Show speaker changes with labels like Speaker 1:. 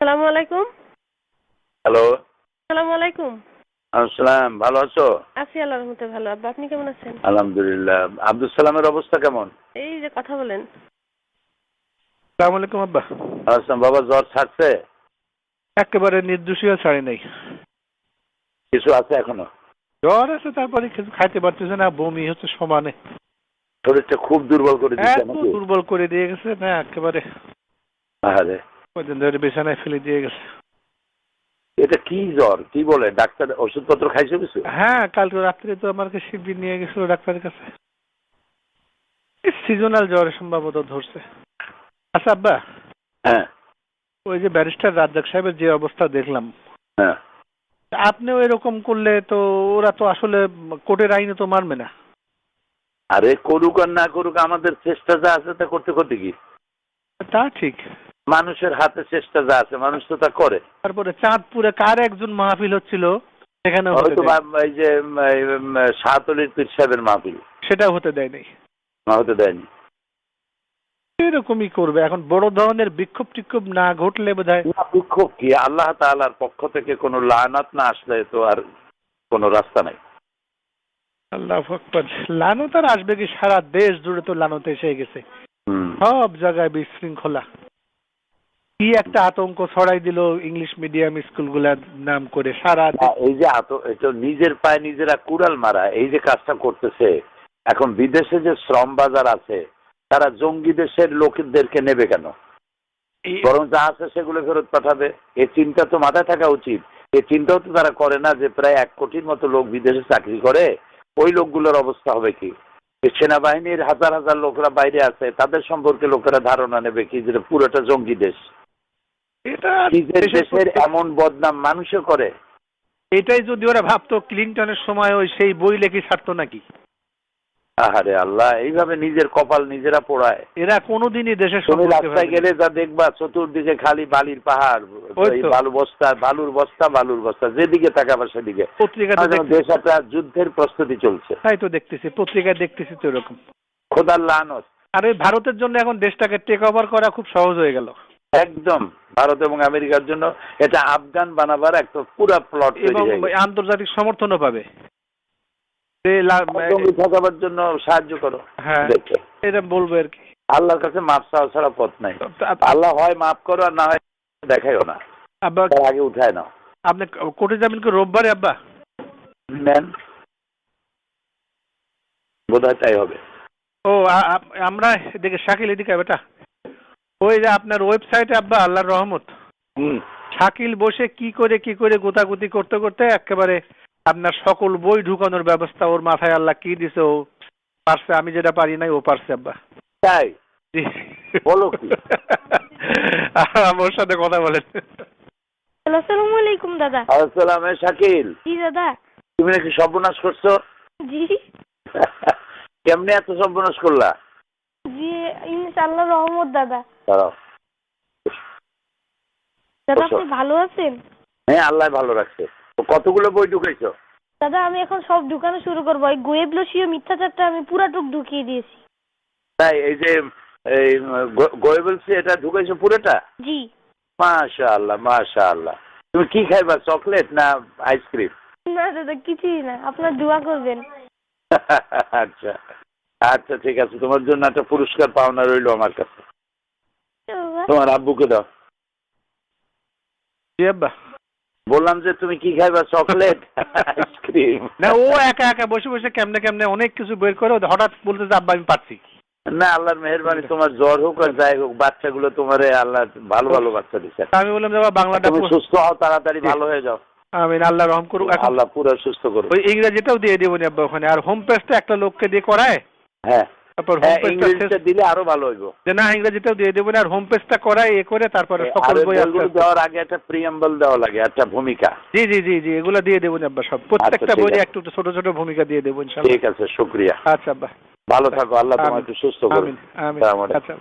Speaker 1: আসসালামু আলাইকুম।
Speaker 2: হ্যালো।
Speaker 1: আসসালামু আলাইকুম।
Speaker 2: আসসালাম, ভালো আছো?
Speaker 1: আছি আল্লাহর রহমতে ভালো। আব্বা আপনি কেমন আছেন?
Speaker 2: আলহামদুলিল্লাহ। আব্দুল সালামের অবস্থা কেমন?
Speaker 1: এই যে কথা বলেন।
Speaker 3: আসসালামু আলাইকুম আব্বা।
Speaker 2: আসসালাম। বাবা জ্বর ছাড়ছে?
Speaker 3: একেবারে নির্দোষীয় ছাড়ি নাই।
Speaker 2: কিছু আছে এখনো?
Speaker 3: জ্বর আছে, তারপরে কিছু খাইতে পারতেছে না, বমি হচ্ছে সমানে।
Speaker 2: শরীরটা খুব দুর্বল করে দিচ্ছে
Speaker 3: এত
Speaker 2: নাকি?
Speaker 3: দুর্বল করে দিয়ে গেছে না একেবারে।
Speaker 2: আরে
Speaker 3: কদিন ধরে বিছানায় ফেলে দিয়ে গেছে।
Speaker 2: এটা কি জ্বর? কি বলে ডাক্তার? ওষুধপত্র খাইছো কিছু?
Speaker 3: হ্যাঁ, কালকে রাত্রে তো আমাকে শিবির নিয়ে গেছিল ডাক্তারের কাছে। সিজনাল জ্বর সম্ভবত ধরছে। আচ্ছা আব্বা,
Speaker 2: হ্যাঁ
Speaker 3: ওই যে ব্যারিস্টার রাজ্জাক সাহেবের যে অবস্থা দেখলাম,
Speaker 2: হ্যাঁ।
Speaker 3: আপনিও এরকম করলে তো ওরা তো আসলে কোর্টের আইনে তো মানবে না।
Speaker 2: আরে করুক আর না করুক, আমাদের চেষ্টা যা আছে তা করতে করতে কি?
Speaker 3: তা ঠিক।
Speaker 2: মানুষের হাতে চেষ্টা যা আছে মানুষ তো তা করে।
Speaker 3: তারপরে চাঁদপুরে কার একজন মাহফিল হচ্ছিল, সেখানে
Speaker 2: হয়তো এই যে শাহতলির পীর সাহেবের মাহফিল,
Speaker 3: সেটাও হতে দেয় নাই।
Speaker 2: হতে দেয়নি।
Speaker 3: এরকমই করবে এখন, বড় ধরনের বিক্ষোভ টিক্ষোভ না ঘটলে বোধহয়।
Speaker 2: বিক্ষোভ কি? আল্লাহ তাআলার পক্ষ থেকে কোনো লানাত না আসলে তো আর কোনো রাস্তা নাই।
Speaker 3: আল্লাহু আকবার। লানত আর আসবে কি? সারা দেশ জুড়ে তো লানত এসে গেছে। সব জায়গায় বিশৃঙ্খলা। কি একটা আতঙ্ক ছড়াই দিল ইংলিশ মিডিয়াম স্কুলগুলার নাম করে সারা
Speaker 2: এই যে এটা নিজের পায়ে নিজেরা কুড়াল মারা, এই যে কাজটা করতেছে, এখন বিদেশে যে শ্রম বাজার আছে তারা জঙ্গি দেশের লোকদেরকে নেবে কেন? বরং যা আছে সেগুলো ফেরত পাঠাবে। এই চিন্তা তো মাথায় থাকা উচিত। এই চিন্তাও তো তারা করে না যে প্রায় 1 কোটির মতো লোক বিদেশে চাকরি করে, ওই লোকগুলোর অবস্থা হবে কি? সেনাবাহিনীর হাজার হাজার লোকরা বাইরে আছে, তাদের সম্পর্কে লোকেরা ধারণা নেবে কি যে পুরোটা জঙ্গি দেশ।
Speaker 3: এটা
Speaker 2: নিজের দেশের এমন বদনাম মানুষে করে।
Speaker 3: এটাই যদি ওরা ভাবতো ক্লিনটনের সময় ওই সেই বই লেখি ছাড়তো নাকি?
Speaker 2: আহারে আল্লাহ, এইভাবে নিজের কপাল নিজেরা পোড়ায়।
Speaker 3: এরা কোনোদিনই দেশের
Speaker 2: তুমি রাস্তায় গেলে যা দেখবা চতুর্দিকে খালি বালির পাহাড়, বালুর বস্তা, যেদিকে তাকাবা সেদিকে।
Speaker 3: পত্রিকাতে
Speaker 2: দেশ একটা যুদ্ধের প্রস্তুতি চলছে।
Speaker 3: তাই তো দেখতেছি, পত্রিকায় দেখতেছি তো এরকম।
Speaker 2: খোদার লানত।
Speaker 3: আর ওই ভারতের জন্য এখন দেশটাকে টেক ওভার করা খুব সহজ হয়ে গেল।
Speaker 2: একদম ভারত এবং আমেরিকার জন্য এটা আফগান বানাবার একটা পুরো প্লট
Speaker 3: এবং আন্তর্জাতিক সমর্থনও পাবে।
Speaker 2: ঠকাবার জন্য সাহায্য করো।
Speaker 3: হ্যাঁ, এটা বলবো আর কি।
Speaker 2: আল্লাহর কাছে মাপ চাওয়া ছাড়া পথ নাই। আল্লাহ হয় মাফ করো আর না হয় দেখাইও না।
Speaker 3: আব্বা
Speaker 2: আগে উঠায় নাও।
Speaker 3: আপনি কোর্টে যাবেন কি রোববারে আব্বা?
Speaker 2: নেন, বোধহয় তাই হবে।
Speaker 3: ও আমরা এদিকে শাকিল এদিকে বেটা, ওই যে আপনার ওয়েবসাইটে আব্বা আল্লাহর রহমত, শাকিল বসে কি করে গোতাগুতি করতে করতে একেবারে আপনার সকল বই ঢুকানোর ব্যবস্থা ওর মাথায় আল্লাহ কি দিছে, ও পারছে। আমি যেটা পারি নাই ও পারছে আব্বা।
Speaker 2: তাই বলো কি?
Speaker 3: আমার সাথে কথা বলেন।
Speaker 1: আসসালামু আলাইকুম দাদা।
Speaker 2: আসসালাম। শাকিল,
Speaker 1: জি দাদা।
Speaker 2: তুমি নাকি সর্বনাশ করছো?
Speaker 1: জি
Speaker 2: কেমনে এত সর্বনাশ করলা?
Speaker 1: জি ইনশাআল্লাহ রহমত দাদা।
Speaker 2: দাঁড়াও।
Speaker 1: দাদা আপনি ভালো আছেন?
Speaker 2: হ্যাঁ, আল্লাহ ভালো রাখছে। কতগুলো বই ঢুকাইছো?
Speaker 1: দাদা আমি এখন সব ঢুকানো শুরু করবো। এই গোয়েবলসীয় মিথ্যাচারটা আমি পুরাটুক ঢুকিয়ে দিয়েছি।
Speaker 2: তাই? এই যে এই গোয়েবলসি এটা ঢুকাইছো পুরোটা?
Speaker 1: জি।
Speaker 2: মাশাআল্লাহ মাশাআল্লাহ। তুমি কি খাইবা, চকলেট না আইসক্রিম?
Speaker 1: না দাদা কিছুই না, আপনার দোয়া করবেন।
Speaker 2: আচ্ছা আচ্ছা, ঠিক আছে, তোমার জন্য একটা পুরস্কার পাওনা রইলো আমার কাছে। তোমার আব্বুকে দাও।
Speaker 3: জি আব্বা।
Speaker 2: বললাম যে তুমি কি খাইবা, চকলেট আইসক্রিম?
Speaker 3: না, ও একা একা বসে বসে কেমনে অনেক কিছু বের করে হঠাৎ বলতে যে আব্বা আমি পারছি
Speaker 2: না। আল্লাহর মেহেরবানি, তোমার জ্বর হোক আর যাই হোক, বাচ্চাগুলো তোমারে আল্লাহ ভালো ভালো বাচ্চা দিচ্ছে।
Speaker 3: আমি বললাম যে বাংলাটা
Speaker 2: তুমি সুস্থ হও, তাড়াতাড়ি ভালো হয়ে যাও।
Speaker 3: আমিন, আল্লাহ রহম করুক।
Speaker 2: আল্লাহ পুরো সুস্থ করুক।
Speaker 3: ওই ইংরেজিটাও দিয়ে দেবো নি আব্বা ওখানে, আর হোম পেজটা একটা লোককে দিয়ে করায়।
Speaker 2: হ্যাঁ,
Speaker 3: তারপর হোম
Speaker 2: পেজটা দিলে আরো ভালো হইব।
Speaker 3: যে না, ইংরেজিটাও দিয়ে দেবো না, আর হোম পেজটা করায় এ করে তারপরে সকল বই
Speaker 2: দেওয়ার আগে একটা প্রিয়াম্বল দেওয়া লাগে, একটা ভূমিকা।
Speaker 3: জি জি জি জি, এগুলো দিয়ে দেবো আব্বা সব, প্রত্যেকটা বইয়ে একটু ছোট ছোট ভূমিকা দিয়ে দেবো ইনশাআল্লাহ।
Speaker 2: ঠিক আছে, শুকরিয়া।
Speaker 3: আচ্ছা আব্বা,
Speaker 2: ভালো থাকো, আল্লাহ তোমাকে সুস্থ করুন।
Speaker 3: আমিন আমিন। আচ্ছা।